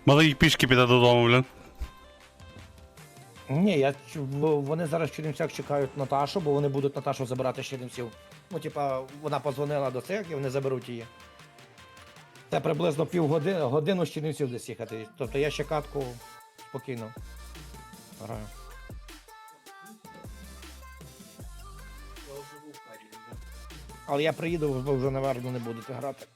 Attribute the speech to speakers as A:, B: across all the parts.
A: Малий пішки піде додому, блін.
B: Ні, вони зараз в Чернівцях чекають Наташу, бо вони будуть Наташу забирати з Чернівців. Ну, типа, вона позвонила до цих і вони заберуть її. Це приблизно півгодини, годину з Чернівців десь їхати. Тобто я ще катку спокійно граю. Але я приїду, ви вже, напевно, не будете грати.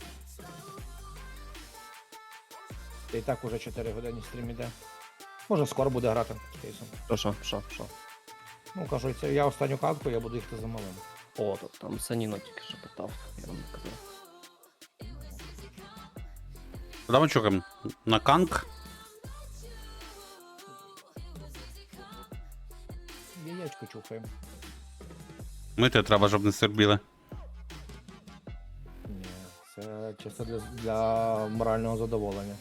B: І так уже 4 години стрім іде. Може скоро буде грати з кейсом.
C: Що?
B: Ну, кажу, це я останню катку, я буду їхати за малим.
C: О, то там Саніно тільки що питав, я вам не казав.
A: Куди ми чукаємо? На канк?
B: Яєчко чухаємо.
A: Мити треба, щоб не сербіли.
B: Ні, це чисто для морального задоволення.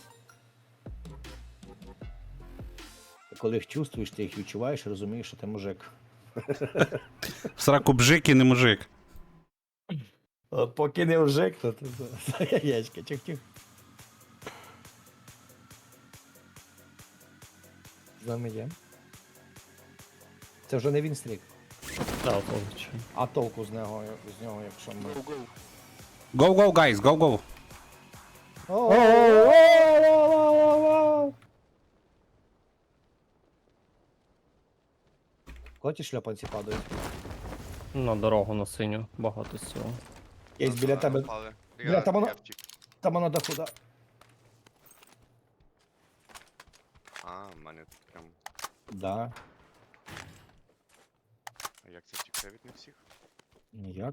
B: Коли їх чувствуєш, ти їх відчуваєш, розумієш, що ти мужик.
A: В сраку бжик і не мужик.
B: От поки не мужик, то яєчко, чих-чих. З нами є. Це вже не він стрік.
C: Так, повністю.
B: А толку з нього, якщо ми...
A: Go, go, guys, go, go.
B: Коли ті шльопанці падають?
C: На дорогу на синю, багато з цього.
B: Є біля тебе. Бля, там воно- Там вона до худа.
D: А, в мене тут прям.
B: Да.
D: А як це втікти від них всіх?
B: Ніяк.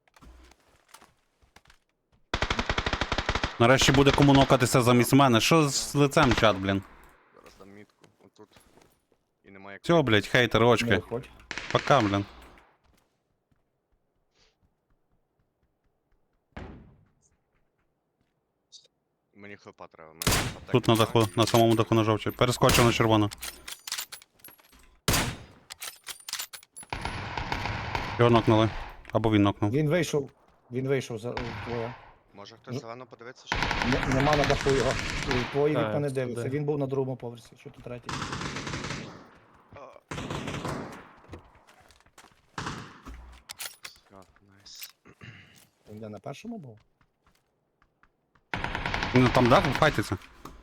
A: Нарешті буде кому нокатися замість мене. Що з лицем, чат, блін?
D: Зараз дам мітку. Отут. І немає
A: Все, блядь, хейтер,
B: Не
A: очки.
B: виходь.
A: Пока, блін.
D: Мені хлопа треба.
A: Тут на даху, на самому даху на жовчі. Перескочив на червону. Його нокнули. Або він нокнув.
B: Він вийшов за твоє.
D: Може хтось зелено подивитися, що
B: Нема на даху його. Твої
C: Так,
B: вікна не
C: туди.
B: дивиться. Він був на другому поверсі, що тут третій.
D: все, найс.
B: Він де на першому був?
A: Ну там дах, файтиться.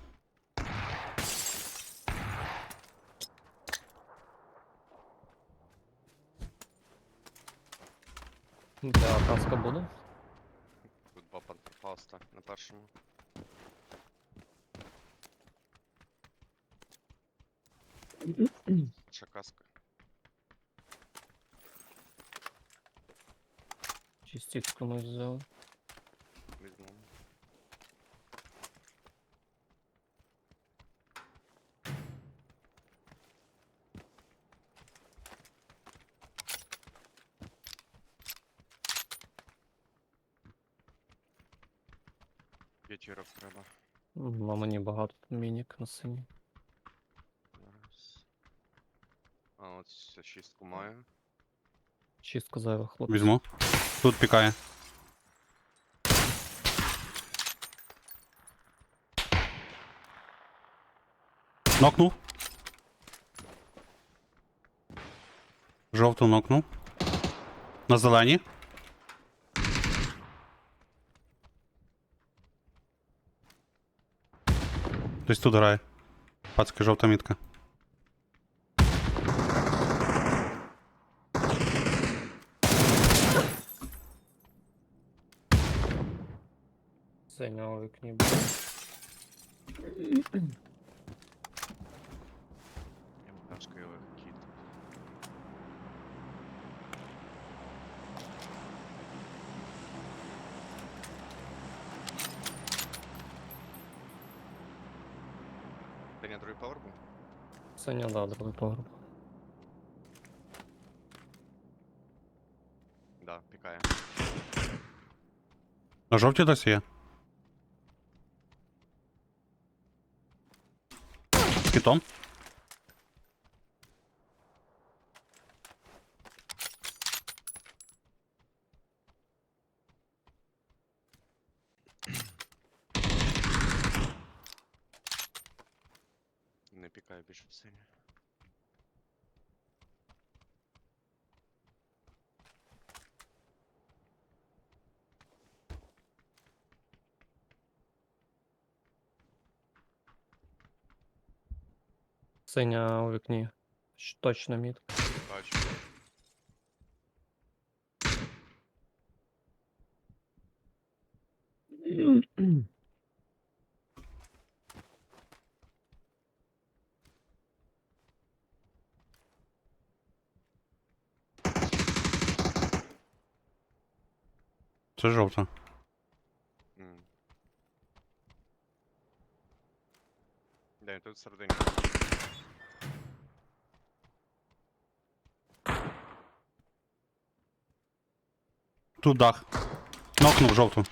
C: Де каска буде?
D: Тут баба пропаста на першому. Ще каска.
C: Чи стік комусь взяли?
D: Візьму. П'ятірок треба.
C: На мені багато мінік на синій.
D: Зараз. А, от ще шістку маю.
C: Чистку зайвих хлопців.
A: Візьму. Тут пікає. Нокнув. Жовту нокнув. На зелені. Хтось тут грає. Пацки, жовта мітка.
C: Синього вікні буде.
D: МКшкою кіт. Ти на другий поверх був?
C: Синя, да, другий погреб.
D: Да, пікає.
A: На жовті досі є. З китом.
D: Не пікаю більше в сині.
C: Синя у вікні. Точно мітка.
D: Бачу.
A: Це жовта.
D: М. Де він тут всередині?
A: Тут дах. Нокнув жовту.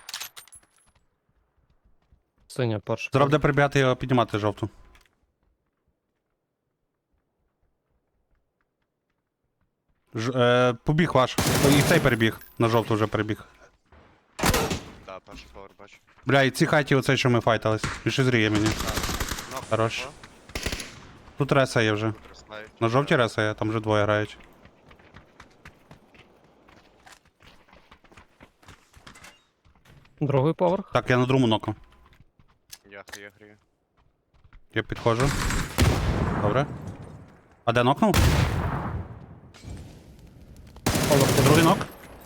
C: Синя перша.
A: Зараз буде прибігати його піднімати жовту. Побіг ваш. І цей перебіг. На жовту вже перебіг.
D: Да, перший повер бачу.
A: Бля, і ці хаті оцей, що ми файтались. Більше зріє мені.
D: Нок,
A: Хорош.
D: нокла.
A: Тут реса є вже.
D: Тут розслають.
A: На жовтій реса є, там вже двоє грають.
C: Другий поверх.
A: Так, я на другому ноку.
D: Я грію.
A: Я підходжу. Добре. А де нокнув? Другий нок.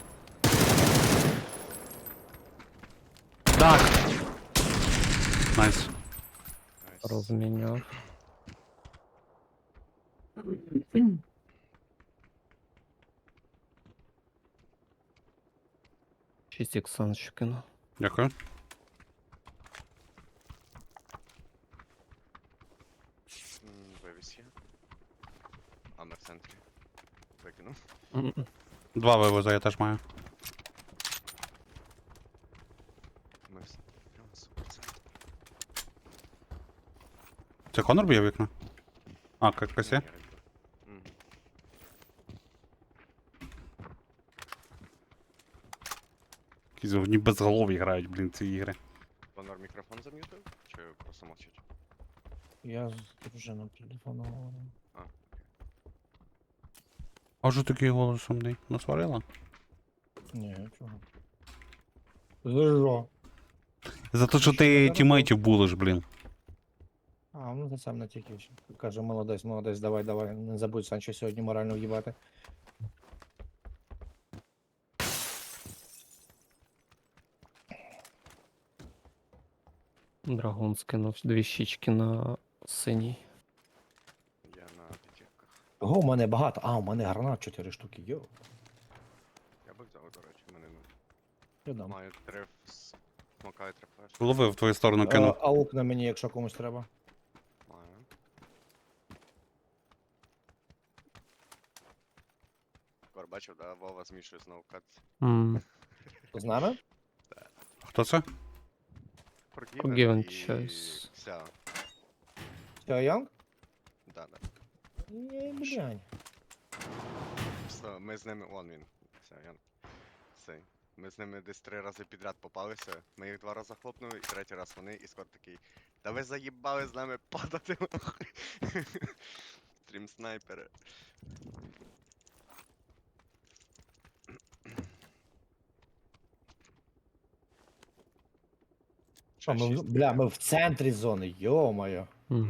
A: Так. Найс.
D: Найс.
C: Розміняв. Шість іксан ще кину.
A: Дякую.
D: Вивіз є. Амер в центрі. Викинув.
A: Два вивоза я теж маю.
D: Ми все. Прямо супер центр.
A: Це Конор б'є вікна? А, якось є?
D: Мгм.
A: Якісь вони безголові грають, блін, ці ігри.
D: Конор мікрофон зам'ютив? Чи просто мовчить?
B: Я з дружиною телефону говорю.
A: А що такий голос сумний? Насварила?
B: Ні, чого. Зажо.
A: За те, що
B: Що
A: ти
B: не
A: тімейтів булиш, блін.
B: А, ну це сам не тільки. Каже, молодець, молодець, давай, давай. Не забудь Санчо сьогодні морально в'їбати.
C: Драгун скинув дві щічки на синій.
D: Я на п'ятірках.
B: Ого, у мене багато. А, у мене гранат 4 штуки. Йо.
D: Я би взяв, до речі, в мене
B: Я дам.
D: маю 3 смока і 3 флеш.
A: Ловив в твою сторону кинув.
B: Аук на мені, якщо комусь треба.
D: Маю. Кор бачив, да? Вова змішує знову кат.
B: З нами?
A: Хто це?
C: Forgiven
D: і
C: choice.
D: Вся.
B: Все, Янг?
D: Да, да.
B: Ні, блянь.
D: Просто ми з ними. Вон він. Все, я. Цей. Ми з ними десь 3 рази підряд попалися. Ми їх 2 рази хлопнули, і 3-й раз вони, і скоро такий. Та ви заїбали з нами падати нахуй. Стрім снайпери.
B: Що, ми,
D: Шість.
B: бля, ми в центрі зони, йо-моє.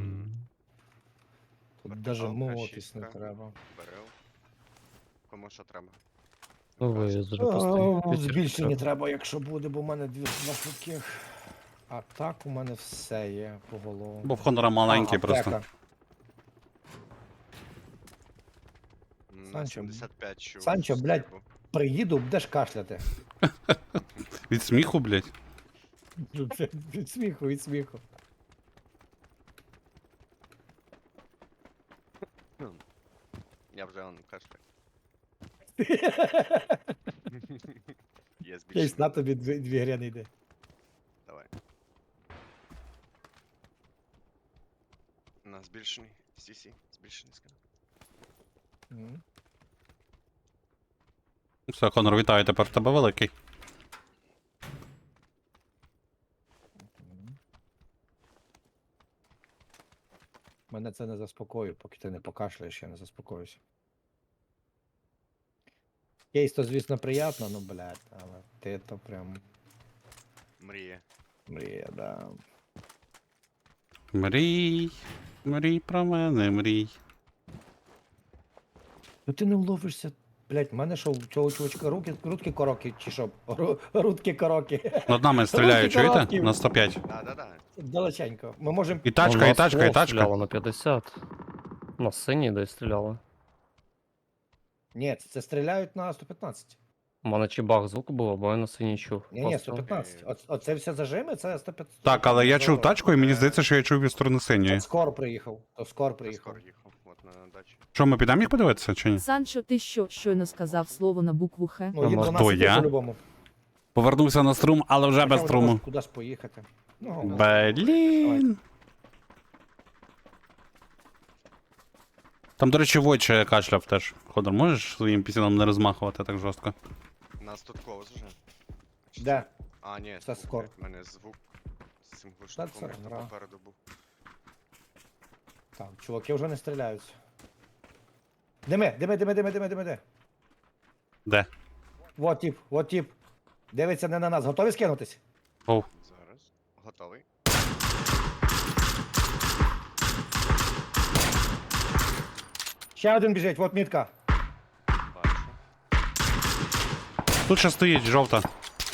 B: Тут
D: Вертикалка,
B: даже молотись не
D: шістка.
B: треба.
D: Берел. Кому що треба.
C: Ну,
D: Якраз.
C: вивіз вже просто.
B: Збільшення треба, якщо буде, бо в мене два швидких. А так у мене все є по голову.
A: Бо в Хонора маленький
B: А,
A: просто.
B: аптека.
D: На
B: Санчо,
D: 75 чув.
B: Санчо, блядь.
D: стрибу.
B: Приїду, будеш кашляти.
A: Від сміху, блядь.
B: Від сміху, від сміху.
D: Я вже он кашляю. Є
B: Кейс,
D: збільшення.
B: на тобі дві гряни йде.
D: Давай. На збільшений. CC. Збільшений скажу.
B: Мгм.
A: Все, Конор, вітаю, тепер в тебе великий.
B: Мене це не заспокоює, поки ти не покашляєш, я не заспокоюся. Кейс то, звісно, приємно, ну, блядь, але ти то прям
D: Мріє.
B: мрія, да.
A: Мрій, мрій про мене, мрій.
B: Ну ти не вловишся, блядь, в мене що, у цього чувачка рудки короки, чи що? Рудки короки.
A: Над нами стріляють,
B: Руки
A: чуєте?
B: короткий.
A: На 105.
D: Да.
B: Далеченько. Ми можемо.
A: І
C: У
A: тачка, і
C: нас
A: тачка, і
C: ствол
A: тачка.
C: стріляло на 50. На синій десь стріляли.
B: Ні, це стріляють на 115.
C: У мене чи баг звуку був, або я на синій чув.
B: Ні,
C: Постріл.
B: 115. Оце все зажими, це 115.
A: Так, але я чув тачку, і мені здається, що я чув від сторони синьої.
B: Скор приїхав. То скор
D: Я
B: приїхав.
D: скоро їхав, от на дачі.
A: Що, ми підемо їх подивитися чи ні?
E: Санчо, ти що, щойно сказав слово на букву Х?
B: Ну, їм
C: Хто,
B: до нас іти
A: я?
B: по-любому.
A: Повернувся на струм, але вже без
B: Хоча
A: струму.
B: можна Кудись поїхати. Ну,
A: Блін. Там, до речі, Войче кашляв теж. Ходор, можеш своїм пісюном не розмахувати так жорстко?
D: Нас тут ковз уже.
B: де?
D: А, ні,
B: Це
D: звук,
B: скоро.
D: блядь, в мене звук з цим глушником,
B: це
D: як то
B: гра.
D: попереду був.
B: Так, чуваки вже не стріляються. Диме.
A: Де?
B: Вот тип. Дивиться не на нас. Готові скинутись?
A: Оу.
D: Зараз. Готовий.
B: Ще один біжить, вот мітка.
D: Бачу.
A: Тут ще стоїть жовта.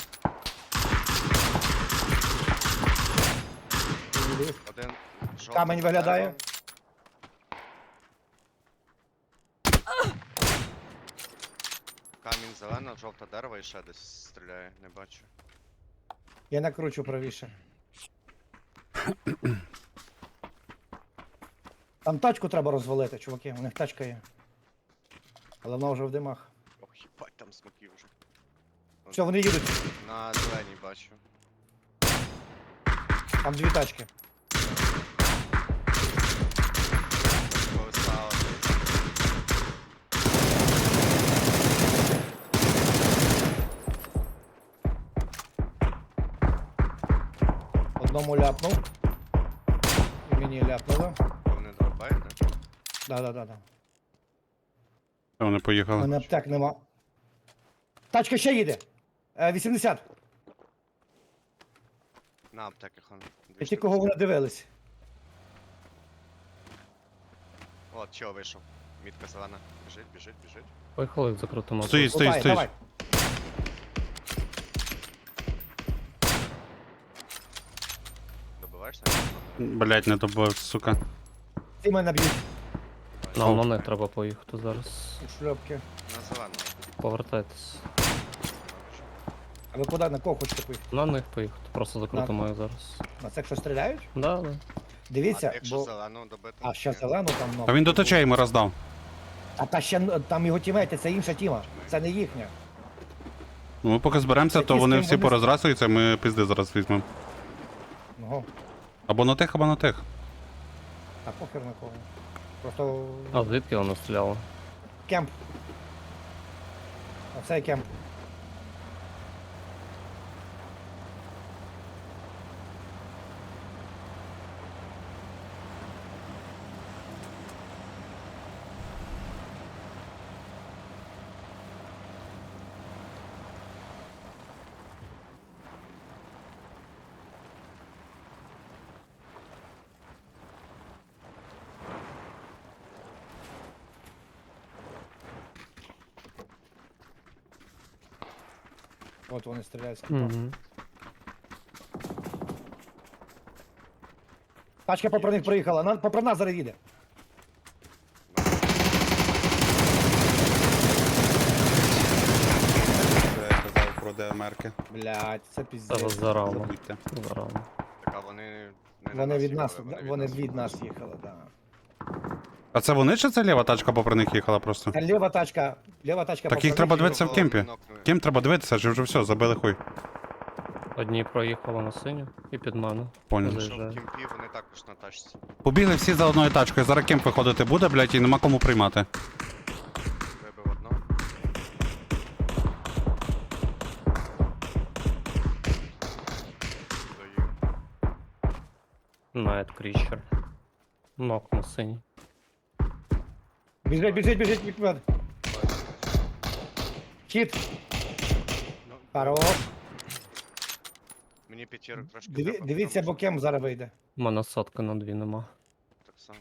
D: Один жовтий
B: Камень
D: за
B: виглядає.
D: деревом. Камінь зелено, жовте дерево і ще десь стріляє, не бачу.
B: Я накручу правіше. Там тачку треба розвалити, чуваки, у них тачка є. Але вона вже в димах.
D: Ох, їбать, там смоків вже.
B: Все, вони їдуть.
D: На зеленій бачу.
B: Там дві тачки.
D: Повисало.
B: Одному ляпнув. І мені ляпнуло.
D: Вони дробають, да?
B: Да.
A: Вони
B: У
A: поїхали.
B: мене аптек нема. Тачка ще їде. 80.
D: На аптеки хон.
B: І ті, кого вони дивились.
D: От, чого вийшов. Мітка зелена. Біжить.
C: Поїхали закрутимо.
A: Стоїть,
B: Лутай,
A: стоїть.
B: давай.
D: Добиваєшся?
A: Блять, не добив, сука.
B: Ці мене б'ють.
C: Нам на них треба поїхати зараз.
B: У шльопки.
D: На зелену.
C: Повертайтесь.
B: А ви куди, на кого хочете поїхати?
C: На них поїхати. Просто закрутимо їх зараз.
B: На цих, що стріляють?
C: Да.
B: Дивіться,
D: Якщо
B: бо...
D: зелену добити.
B: А, ще зелену там, ну.
A: А він до течей йому роздав.
B: А та ще там його тімейти, це інша тіма. Це не їхня.
A: Ну, ми поки зберемося, то
B: Які з
A: вони
B: ким
A: всі
B: вони-
A: порозрасуються, ми пізди зараз візьмемо.
B: Ну,
A: Або на тих, або на тих.
B: а похер на кого. Просто
C: А звідки воно стріляло?
B: кемп. Оцей кемп. От вони стріляють з кемпа.
C: Угу.
B: Тачка попри них проїхала, попри нас зараз їде.
A: Це я казав про ДМРки.
B: Блять, це піздець.
C: Зараз зарано.
A: Забудьте.
C: Зарано.
D: Так, а вони не на
B: Вони від
D: їхали,
B: нас, вони від нас їхали, так.
A: А це вони чи це ліва тачка попри них їхала просто?
B: Та ліва тачка
A: Так
B: попри
A: їх треба
B: них
A: дивитися в кемпі.
D: Нокнули.
A: Кем треба дивитися, чи вже все, забили хуй.
C: Одні проїхали на синю і під мене.
A: Понял.
C: Вони-
D: Що в
C: Заїжджає.
D: кімпі, вони також на тачці.
A: Побігли всі за одною тачкою, зараз кемп виходити буде, блять, і нема кому приймати.
D: Вибив одного. Даю.
C: Night Creature. Нок на синій.
B: Біжить, біжить, біжить, відповідь. Хід.
D: Ну,
B: Хорош.
D: мені п'ятірок трошки треба,
B: Дивіться,
D: тому що
B: бокем зараз вийде.
C: У мене сотка на 2 нема.
D: Так само.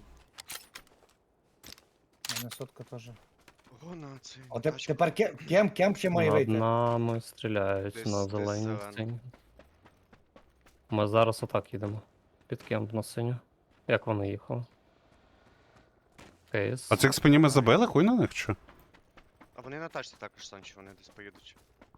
B: У мене сотка теж.
D: Ого, на цей.
B: От
D: тачку.
B: тепер кем ще має
C: Над
B: вийти?
C: нами стріляють
D: Десь-
C: на
D: десь
C: зеленій
D: зелено.
C: сцені. Ми зараз отак їдемо. Під кемп на синю. Як вони їхали? Кейс.
A: А цих спині ми забили, хуй на них чи?
D: А вони на тачці також, Санчо, вони десь поїдуть.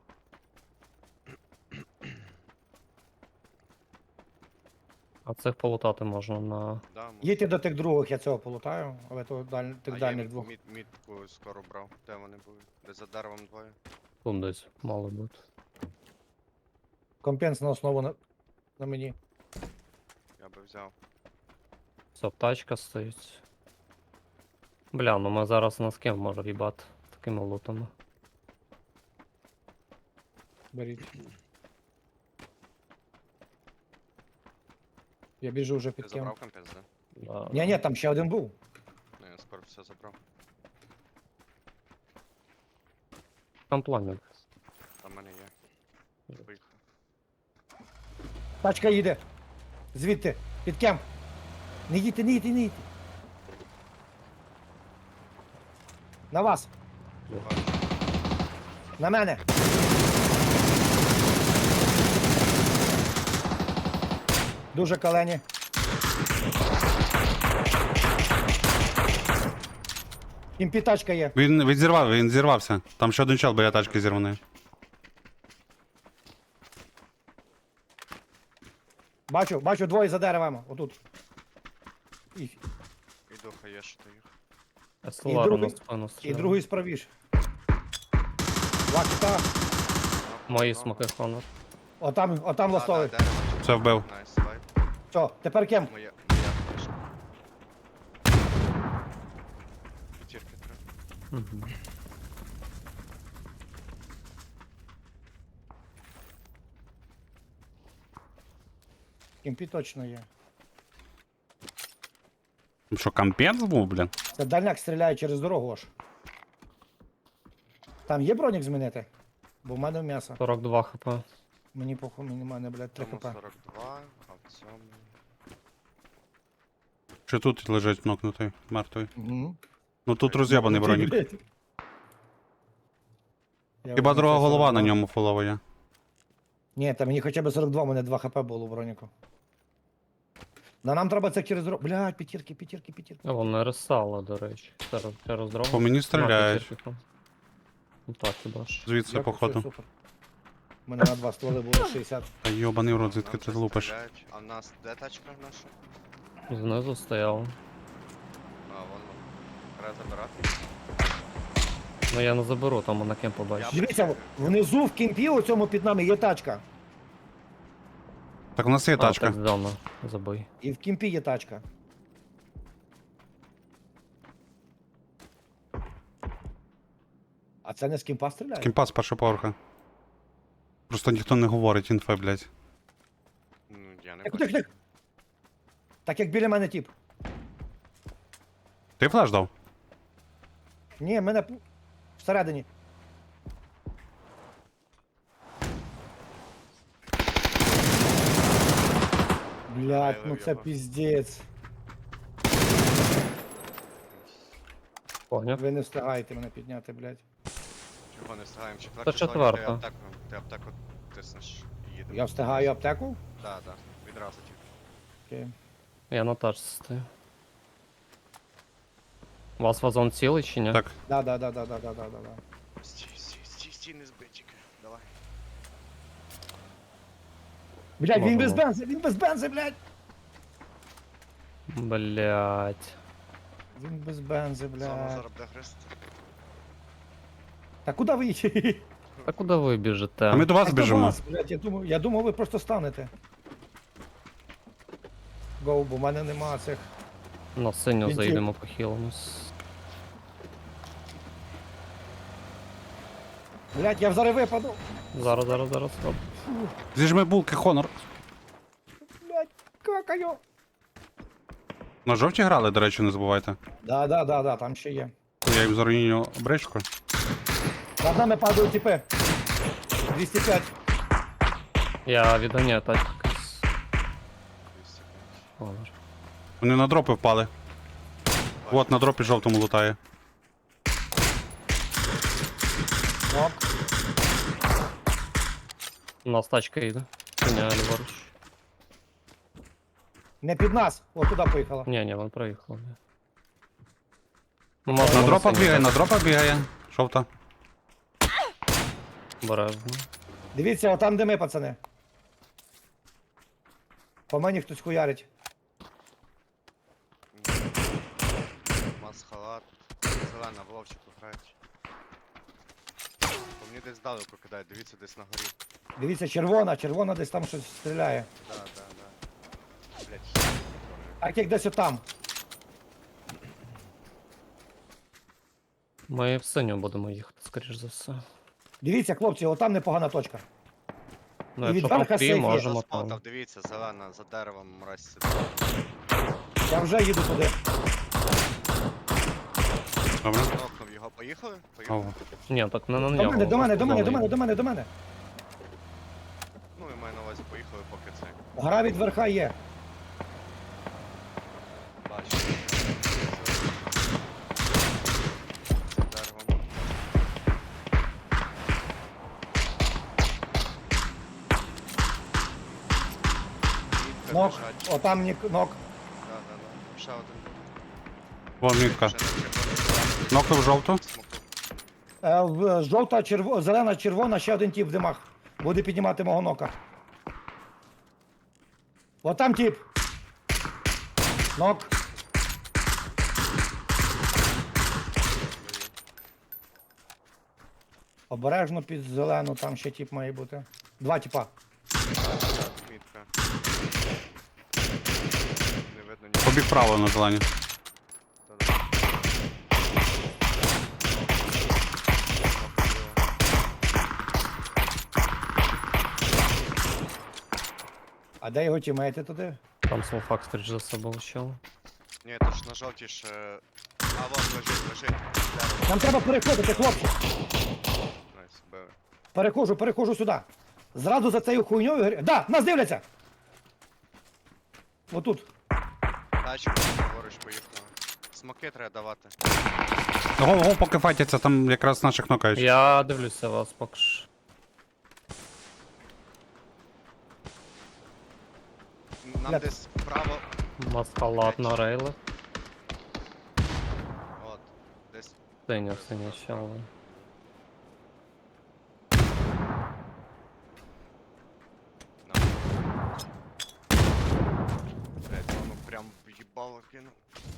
C: А цих полутати можна на.
D: Да, може.
B: Їдьте до тих других, я цього полутаю, але то тих
D: А я
B: дальніх двох.
D: мітку скоро брав. Де вони були? Десь за деревом двоє.
C: Тут десь мало бути.
B: Компенс на основу на мені.
D: Я би взяв.
C: Все, тачка стоїть. Бля, ну ми зараз на з ким може їбати такими лутами.
B: Беріть. Я біжу вже
D: Ти
B: під кем.
D: забрав компенс, да?
C: Да.
B: Ні, там ще один був.
D: Ну, я скоро все забрав.
C: Там планет.
D: Там в мене є. Поїхав.
B: Тачка їде. Звідти, під кем. Не їдьте, не їдьте, не їдьте. На вас.
D: Бачу.
B: На мене. Дуже калені. Імпі тачка є.
A: Він зірвався. Там ще один чел біля тачки зірваний.
B: Бачу двоє за деревами. Отут. І
D: Іду, хаєш ти їх.
C: Естелару на
B: другий-
C: спину
B: І
C: стріляє.
B: другий справіше. Лакта.
C: Мої смоки хонор.
B: Отам ластовий.
A: Все вбив.
D: Найс, вайп.
B: Все, тепер кем?
D: Моя флешка. П'ятірки треба.
C: Угу.
B: Імпі точно є.
A: Що, кампець був, блін?
B: Це дальняк стріляє через дорогу аж. Там є бронік змінити? Бо в мене м'ясо.
C: 42 хп.
B: Мені похуй, мені мене, блядь, 3
D: Тому
B: хп.
D: 42, а в цьому...
A: Чи тут лежить нокнутий, мертвий?
B: Угу.
A: Ну тут роз'єбаний бронік.
B: Я
A: Хіба
B: вже
A: друга
B: це
A: голова
B: 42.
A: на ньому фулова є.
B: Ні, та мені хоча б 42, у мене 2 хп було в броніку. Нам треба це через дорогу. Блядь, п'ятірки.
C: А вони ресали, до речі. Через дорогу.
A: По мені стріляють.
C: На, п'ятірки. Ну так, хіба ж.
A: Звідси,
B: Дякую,
A: походу.
B: все, супер. У мене на 2 стволи було 60.
A: Та йобаний в рот, звідки
D: Нам
A: ти
D: вже
A: лупиш?
D: стріляють. А в нас де тачка наша?
C: Знизу стояв.
D: А, вон. Треба забирати.
C: Ну я не заберу, там на кем побачу.
B: Дивіться, внизу в кімпі у цьому під нами є тачка.
A: Так у нас є тачка.
C: Так, зона. Забий.
B: І в кімпі є тачка. А це не з кімпа стріляє?
A: Кімпа з першого поверха. Просто ніхто не говорить інфи, блядь.
D: Ну, я не
B: Так,
D: бачу.
B: так. Так як біля мене тіп.
A: Ти флеш дав?
B: Ні, мене всередині. Блядь, ну це
D: його.
B: піздець.
C: Поняв.
B: Ви не встигаєте мене підняти, блядь.
D: Чого не встигаємо?
C: Та четверта.
D: Ти аптеку тиснеш і їдемо.
B: Я встигаю аптеку?
D: Так, так, відразу тільки.
B: Окей.
C: Я на тачці стою. У вас вазон цілий чи ні?
A: Так.
B: Да.
D: Стій, не збий тільки. Давай.
B: Блядь, він
C: Можемо.
B: без бензи, блядь!
C: Блять.
B: Він без бензи,
D: Зону
B: блядь.
D: зараз буде хрест.
B: Та куди ви їдете?
C: А куди ви біжите?
A: А ми до вас
B: Так до
A: біжимо.
B: вас, блядь, я думав, ви просто станете. Гоу, бо в мене нема цих.
C: На синю
B: Він
C: заїдемо похилимось.
B: Блядь, я зараз випаду.
C: Зараз. Оп.
A: Зіжми булки, Хонор.
B: Блядь, какаю.
A: На жовті грали, до речі, не забувайте.
B: Да, там ще є.
A: Я їм заруйню бричку.
B: Над нами падають тіпи. 205.
C: Я відганяю тачку якусь.
D: 205.
C: Ладно.
A: Вони на дропи впали. От на дропі жовтому лутає.
B: Нок.
C: У нас тачка йде. Коня ліворуч.
B: Не під нас. О, туди поїхала.
C: Ні, вон проїхав. ні. Ну,
A: На
C: можна
A: дропа
C: синій
A: бігає,
C: так.
A: на дропа бігає. Жовта.
C: Обережно.
B: Дивіться, отам де ми, пацани. По мені хтось хуярить.
D: Масхалат. Зелена, в ловчику грають. По мені десь здалеку кидають, дивіться десь на горі.
B: Дивіться, червона десь там щось стріляє.
D: Да. Блять.
B: Так як десь отам.
C: Ми в синю будемо їхати, скоріш за все.
B: Дивіться, хлопці, отам непогана точка.
C: Ну,
B: І
C: якщо
B: від верха
C: там
B: сейф є.
C: можемо там.
D: Заспотав, дивіться, зелена, за деревом мразь сидить.
B: Я вже їду туди.
A: Добре.
D: Нокнув його, поїхали? Поїхали.
A: Ого.
C: Ні, так не на
B: До
C: нього.
B: мене, до мене,
C: просто
B: до мене,
C: за
B: до мене,
C: нею.
B: до мене, до мене.
D: Ну і маю на увазі, поїхали, поки це.
B: Гра від верха є.
D: Бачу. За деревом. Мітка
B: Нок.
D: лежать.
B: Отам нок.
D: Да. Ще один.
A: Вон мітка.
D: Ще на червоній
A: Нокнув жовту.
D: смоку.
B: Жовта, зелена, червона, ще один тіп в димах. Буде піднімати мого нока. Отам тіп. Нок. Обережно під зелену, там ще тіп має бути. Два тіпа.
D: Мітка. Не видно нічого.
A: Побіг право на зелені.
D: Та-да.
B: А де його тімейти туди?
C: Там смолфак, скоріш за все, був чел.
D: Ні, то ж на жовтій ще... А, вот, лежить. Дерево.
B: Нам треба переходити, хлопці.
D: Найс, били.
B: Переходжу сюди. Зразу за цією хуйньою. Да, нас дивляться! Отут.
D: Тачку, поруч поїхала. Смоки треба давати.
A: Ого, поки файтяться, там якраз наших нокають.
C: Я дивлюся вас поки що.
D: Нам
B: Бля.
D: десь вправо...
C: Маскалат на рейлах.
D: От, десь...
C: Синя щела.
D: На. Блять, воно прям в'їбало кинув.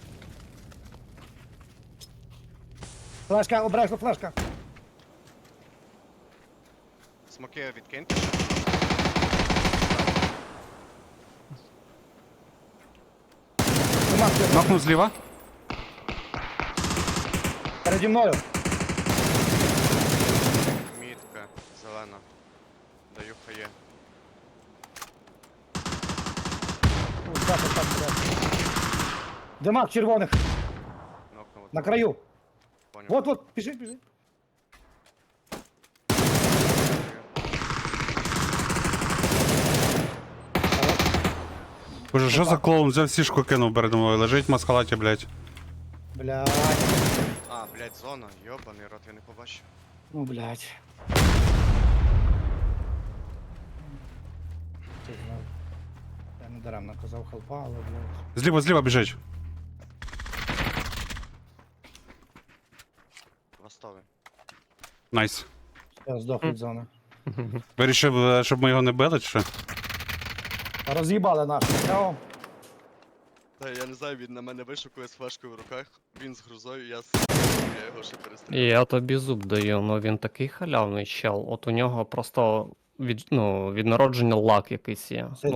B: Флешка, обережно, флешка.
D: Смоки відкиньте.
B: Нема хто.
A: Нокнув зліва.
B: Переді мною.
D: Мітка, зелена. Даю хає.
B: Ось так, ось так, ось так. Димак червоних.
D: Нокнув.
B: На краю.
D: Поняв.
B: Вот, біжи.
A: Боже, що за клоун? Взяв сішку кинув передо мною. Лежить в маскалаті, блядь.
B: Блядь.
D: А, блять, зона. Йобаний рот, я не побачив.
B: Ну, блядь. Ти знав. Я не даремно казав халпа, але, блядь.
A: Зліва біжить.
D: Востовий.
A: Найс.
B: Я здох від зони.
A: Вирішив, щоб ми його не били, чи що?
B: Роз'їбали нашу. Все.
D: Та я не знаю, він на мене вишукує з флешкою в руках. Він з грузою, я його ще
C: І
D: перестріляю.
C: я тобі зуб даю, ну він такий халявний чел. От у нього просто від народження лак якийсь є.
B: Це